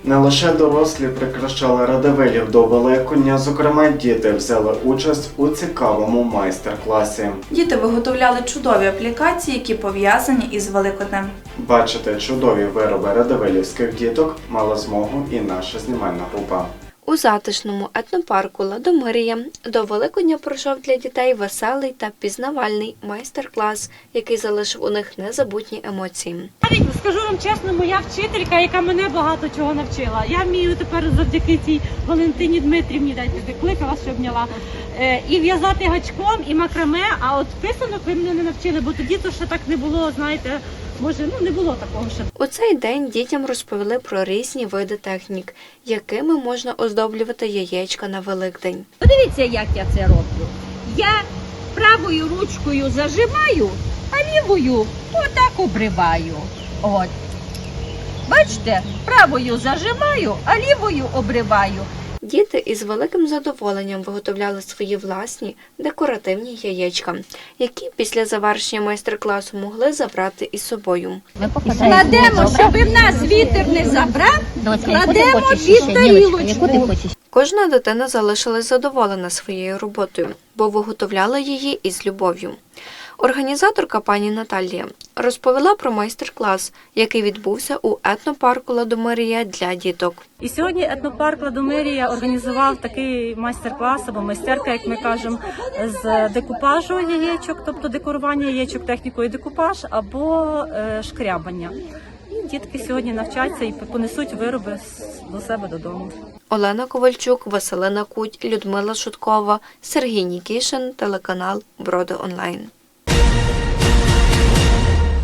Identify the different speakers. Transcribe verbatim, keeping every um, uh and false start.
Speaker 1: Не лише дорослі прикрашали Радивилів до Великодня, зокрема діти взяли участь у цікавому майстер-класі.
Speaker 2: Діти виготовляли чудові аплікації, які пов'язані із Великоднем.
Speaker 1: Бачити чудові вироби радивилівських діток мала змогу і наша знімальна група.
Speaker 3: У затишному етнопарку «Ладомирія» до Великодня пройшов для дітей веселий та пізнавальний майстер-клас, який залишив у них незабутні емоції.
Speaker 4: Навіть скажу вам чесно, моя вчителька, яка мене багато чого навчила. Я вмію тепер завдяки цій Валентині Дмитрівні, дайте кликала, що обняла, і в'язати гачком, і макраме, а от писанок ви мене не навчили, бо тоді то ще так не було, знаєте, може, ну не було такого ще.
Speaker 3: У цей день дітям розповіли про різні види технік, якими можна оздоблювати яєчка на Великдень.
Speaker 5: Подивіться, як я це роблю. Я правою ручкою зажимаю, а лівою отак обриваю. От. Бачите, правою зажимаю, а лівою обриваю.
Speaker 3: Діти із великим задоволенням виготовляли свої власні декоративні яєчка, які після завершення майстер-класу могли забрати із собою.
Speaker 5: Кладемо, щоб в нас вітер не забрав, кладемо під тарілочку.
Speaker 3: Кожна дитина залишилась задоволена своєю роботою, бо виготовляла її із любов'ю. Організаторка пані Наталія розповіла про майстер-клас, який відбувся у етнопарку «Ладомирія» для діток.
Speaker 4: І сьогодні етнопарк «Ладомирія» організував такий майстер-клас, або майстерка, як ми кажемо, з декупажу яєчок, тобто декорування яєчок технікою декупаж, або е, шкрябання. І дітки сьогодні навчаться і понесуть вироби до себе додому.
Speaker 3: Олена Ковальчук, Василина Куть, Людмила Шуткова, Сергій Нікішин, телеканал Броди Онлайн.